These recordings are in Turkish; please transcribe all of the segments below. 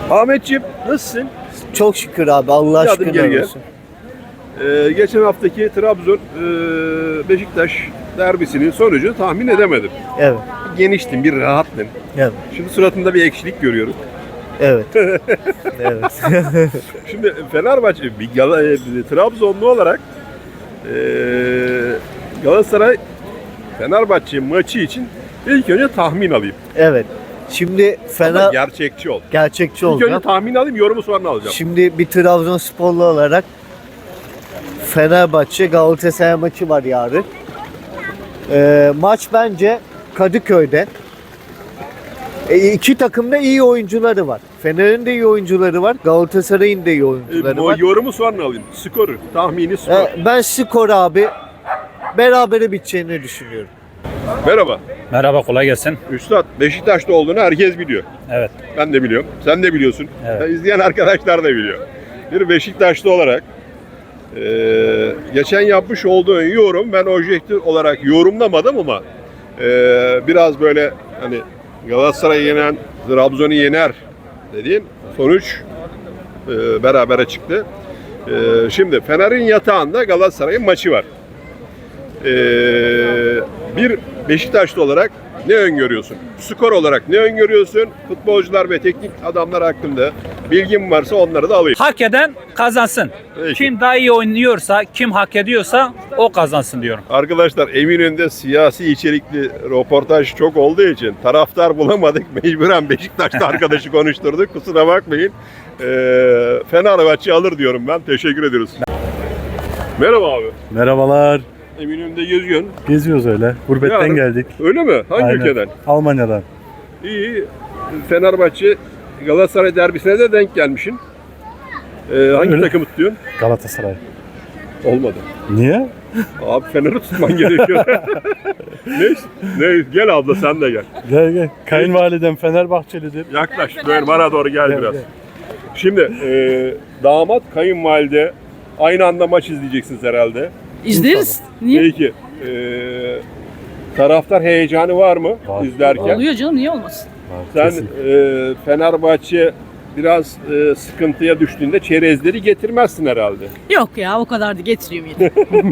Ahmetciğim nasılsın? Çok şükür abi, Allah Bir adım geri aşkına gel. olsun. Geçen haftaki Trabzon Beşiktaş derbisinin sonucunu tahmin edemedim. Evet, Geniştin, bir rahattın. evet, Şimdi suratında bir ekşilik görüyoruz. evet. Evet. Şimdi Fenerbahçe, Trabzonlu olarak Galatasaray Fenerbahçe maçı için ilk önce tahmin alayım. Evet. Şimdi Ama gerçekçi ol. gerçekçi İlk önce olacağım. tahmin alayım, yorumu sonra alacağım. Şimdi bir Trabzonsporlu olarak Fenerbahçe Galatasaray maçı var yarın. Maç bence Kadıköy'de. İki takımda iyi oyuncuları var. Fener'in de iyi oyuncuları var. Galatasaray'ın da iyi oyuncuları var. Yorumu sonra alayım. Skoru, tahmini skor. Ben skor abi berabere biteceğini düşünüyorum. Merhaba. Merhaba, kolay gelsin. Üstad, Beşiktaş'ta olduğunu herkes biliyor. Evet. Ben de biliyorum. Sen de biliyorsun. Evet. İzleyen arkadaşlar da biliyor. Bir Beşiktaşlı olarak geçen yapmış olduğun yorum, ben objektif olarak yorumlamadım ama biraz böyle hani Galatasaray'ı yenen, Trabzon'u yener dediğin sonuç berabere çıktı. Şimdi Fener'in yatağında Galatasaray'ın maçı var. Bir Beşiktaşlı olarak ne öngörüyorsun? Skor olarak ne öngörüyorsun? Futbolcular ve teknik adamlar hakkında bilgin varsa onları da alayım. Hak eden kazansın. Peki. Kim daha iyi oynuyorsa, kim hak ediyorsa o kazansın diyorum. Arkadaşlar, Eminönü'nde siyasi içerikli röportaj çok olduğu için taraftar bulamadık. Mecburen Beşiktaş'ta arkadaşı konuşturduk. Kusura bakmayın. Fenerbahçe alır diyorum ben. Teşekkür ediyoruz. Merhaba abi. Merhabalar. Eminönü'nde geziyorsun. Geziyoruz öyle. Gurbetten Yarın- geldik. Öyle mi? Hangi Aynen. ülkeden? Almanya'dan. İyi. Fenerbahçe Galatasaray derbisine de denk gelmişsin. Hangi Öyle. takımı tutuyorsun? Galatasaray. Olmadı. Niye? Abi Fener'i tutman gerekiyor. Neyse. Gel abla, sen de gel. Gel gel. Kayınvalidem Fenerbahçelidir. Yaklaş. Böyle bana doğru gel Gel, biraz. gel. Şimdi damat, kayınvalide aynı anda maç izleyeceksiniz herhalde. İzleriz. Niye? Peki. Taraftar heyecanı var mı Var. izlerken? Oluyor canım, niye olmasın? Sen Kesin. Fenerbahçe biraz sıkıntıya düştüğünde çerezleri getirmezsin herhalde. Yok ya, o kadar da getiriyorum yine.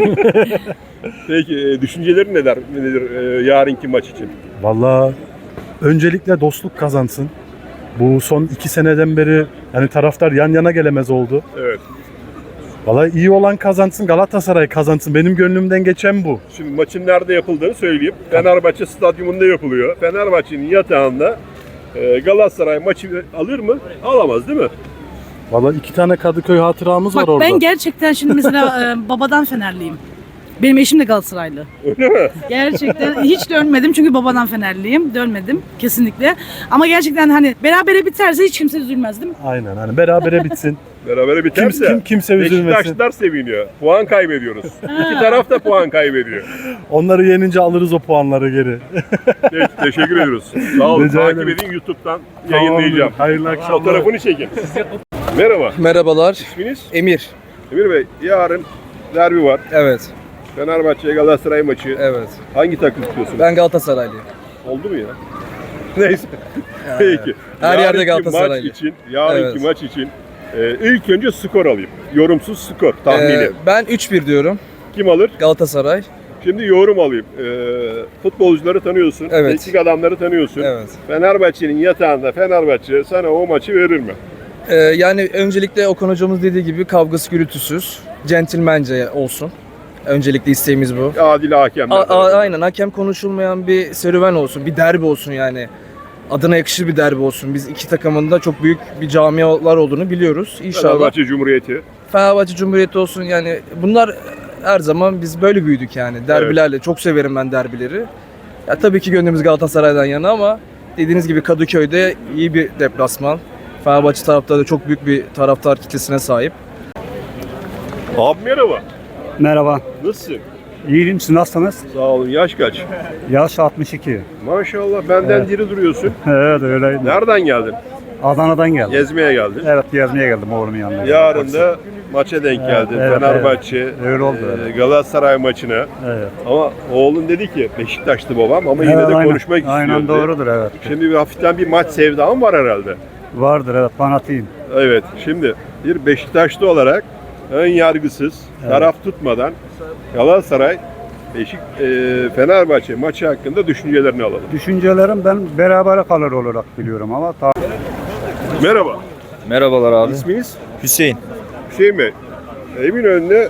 Peki düşüncelerin nedir yarınki maç için? Vallahi öncelikle dostluk kazansın. Bu son 2 seneden beri yani taraftar yan yana gelemez oldu. Evet. Vallahi iyi olan kazansın, Galatasaray kazansın. Benim gönlümden geçen bu. Şimdi maçın nerede yapıldığını söyleyeyim. Fenerbahçe stadyumunda yapılıyor. Fenerbahçe'nin yatağında Galatasaray maçı alır mı? Alamaz değil mi? Vallahi 2 tane Kadıköy hatıramız var Bak orada. ben gerçekten şimdi mesela babadan Fenerliyim. Benim eşim de Galatasaraylı. Öyle mi? Gerçekten hiç dönmedim çünkü babadan Fenerliyim. Dönmedim kesinlikle. Ama gerçekten hani berabere biterse hiç kimse üzülmez değil mi? Aynen, hani berabere bitsin. Berabere biterse kimse üzülmesin. Beşiktaşlılar seviniyor. Puan kaybediyoruz. İki taraf da puan kaybediyor. Onları yenince alırız o puanları geri. Peki, teşekkür ediyoruz. Sağ olun. Rica Takip ederim. edin, YouTube'dan yayınlayacağım. Hayırlı akşamlar. Fotoğrafını çekin. Merhaba. Merhabalar. İsminiz? Emir. Emir Bey, yarın derbi var. Evet. Fenerbahçe Galatasaray maçı. Evet. Hangi takım tutuyorsunuz? Ben Galatasaraylıyım. Oldu mu ya? Neyse. Peki. Her yerde Yarınki Galatasaraylı. Yarınki Evet. maç için ilk önce skor alayım. Yorumsuz skor tahmini. Ben 3-1 diyorum. Kim alır? Galatasaray. Şimdi yorum alayım. Futbolcuları tanıyorsun. Evet. Teknik adamları tanıyorsun. Evet. Fenerbahçe'nin yatağında Fenerbahçe sana o maçı verir mi? Yani öncelikle Okan hocamız dediği gibi kavgası gürültüsüz, centilmence olsun. Öncelikle isteğimiz bu. Adil hakemler. Aynen, hakem konuşulmayan bir serüven olsun, bir derbi olsun yani. Adına yakışır bir derbi olsun. Biz iki takımın da çok büyük bir camialar olduğunu biliyoruz. İnşallah. Fenerbahçe Cumhuriyeti. Fenerbahçe Cumhuriyeti olsun yani, bunlar her zaman biz böyle büyüdük yani derbilerle. Çok severim ben derbileri. Ya tabii ki gönlümüz Galatasaray'dan yana ama dediğiniz gibi Kadıköy'de iyi bir deplasman. Fenerbahçe taraftarı da çok büyük bir taraftar kitlesine sahip. Abi merhaba. Merhaba. Nasılsın? İyiyim, siz nasılsınız? Sağ olun. Yaş kaç? Yaş 62. Maşallah benden diri duruyorsun. Evet, öyle. Nereden geldin? Adana'dan geldim. Gezmeye geldin. Evet, gezmeye geldim oğlumun yanına. Yarın da maça denk geldin. evet, Fenerbahçe Öyle oldu, evet. Galatasaray maçına. Evet. Ama oğlun dedi ki Beşiktaşlı babam ama yine de Evet, konuşmak istiyor. Aynen dedi. doğrudur, evet. Şimdi hafiften bir maç sevdam var herhalde. Vardır evet fanatiyim. Evet. Şimdi bir Beşiktaşlı olarak ön yargısız, taraf tutmadan Galatasaray Fenerbahçe maçı hakkında düşüncelerini alalım. Düşüncelerim ben berabere kalır olarak biliyorum ama Merhaba. Merhabalar abi. İsminiz? Hüseyin. Hüseyin Bey. Eminönü'nde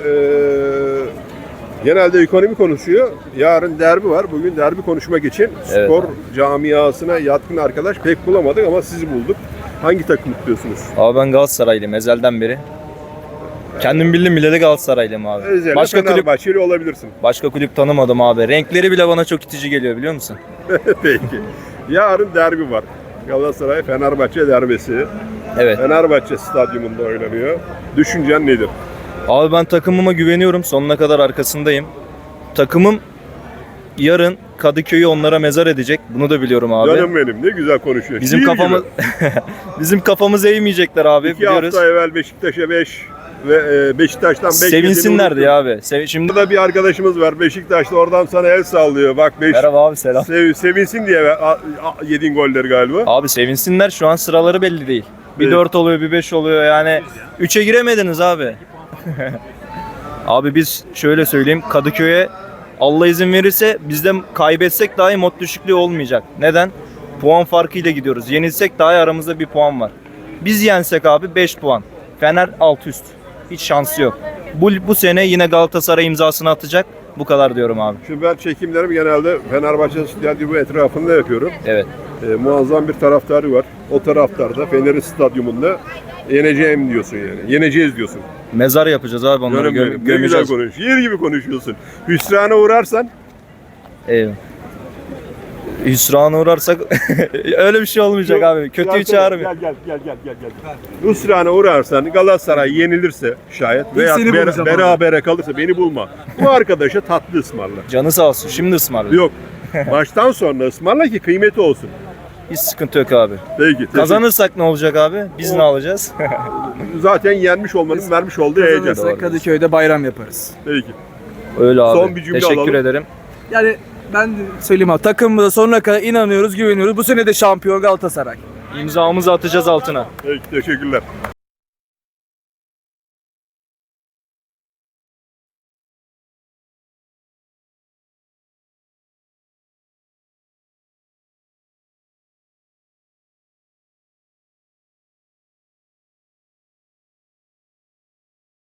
genelde ekonomi konuşuyor. Yarın derbi var. Bugün derbi konuşmak için Evet. spor camiasına yatkın arkadaş pek bulamadık ama sizi bulduk. Hangi takım tutuyorsunuz? Abi ben Galatasaraylıyım ezelden beri. Kendim bildim bile de Galatasaraylıyım abi. Özellikle Başka kulüp Fenerbahçeli olabilirsin. başka kulüp tanımadım abi. Renkleri bile bana çok itici geliyor biliyor musun? Peki. Yarın derbi var. Galatasaray Fenerbahçe derbisi. Evet. Fenerbahçe stadyumunda oynanıyor. Düşüncen nedir? Abi ben takımıma güveniyorum. Sonuna kadar arkasındayım. Takımım yarın Kadıköy'ü onlara mezar edecek. Bunu da biliyorum abi. Canım benim ne güzel konuşuyor. Bizim Şiir kafamız gibi. bizim kafamız eğmeyecekler abi 2 biliyoruz. hafta evvel Beşiktaş'a 5 ve Beşiktaş'tan 5 Sevinsinlerdi ya abi. Şimdi Burada bir arkadaşımız var Beşiktaş'ta oradan sana el sallıyor. Bak 5 merhaba abi selam. sevinsin diye yediğin golleri galiba. Abi sevinsinler şu an sıraları belli değil. Bir Evet. 4 oluyor bir 5 oluyor yani 3'e giremediniz abi. Abi biz şöyle söyleyeyim Kadıköy'e Allah izin verirse biz de kaybetsek dahi mod düşüklüğü olmayacak. Neden? Puan farkıyla gidiyoruz. Yenilsek dahi aramızda bir puan var. Biz yensek abi 5 puan. Fener alt üst. Hiç şansı yok. Bu sene yine Galatasaray imzasını atacak. Bu kadar diyorum abi. Şimdi ben çekimlerimi genelde Fenerbahçe stadyumu etrafında yapıyorum. Evet. Muazzam bir taraftarı var. O taraftar da Fener'in stadyumunda yeneceğim diyorsun yani. Yeneceğiz diyorsun. Mezar yapacağız abi onları Canım benim, ne güzel gömeceğiz. konuş. Yer gibi konuşuyorsun. Hüsrana uğrarsan Eyvallah. Hüsrana uğrarsak öyle bir şey olmayacak abi. Kötüyü çağırmıyor. Gel. Hüsrana uğrarsan Galatasaray yenilirse şayet veya seni bulacağım berabere kalırsa beni bulma. Bu arkadaşa tatlı ısmarla. Canı sağ olsun. Şimdi ısmarla. Yok. Maçtan sonra ısmarla ki kıymeti olsun. Hiç sıkıntı yok abi. Peki. Kazanırsak ne olacak abi? Biz ne alacağız? Zaten yenmiş olmanın vermiş olduğu heyecan. Kazanırsak Kadıköy'de bayram yaparız. Peki. Öyle abi. Son bir cümle Teşekkür alalım. ederim. Yani ben de söyleyeyim abi takımımıza sonuna kadar inanıyoruz, güveniyoruz. Bu sene de şampiyon Galatasaray. İmzamızı atacağız altına. Peki. Teşekkürler.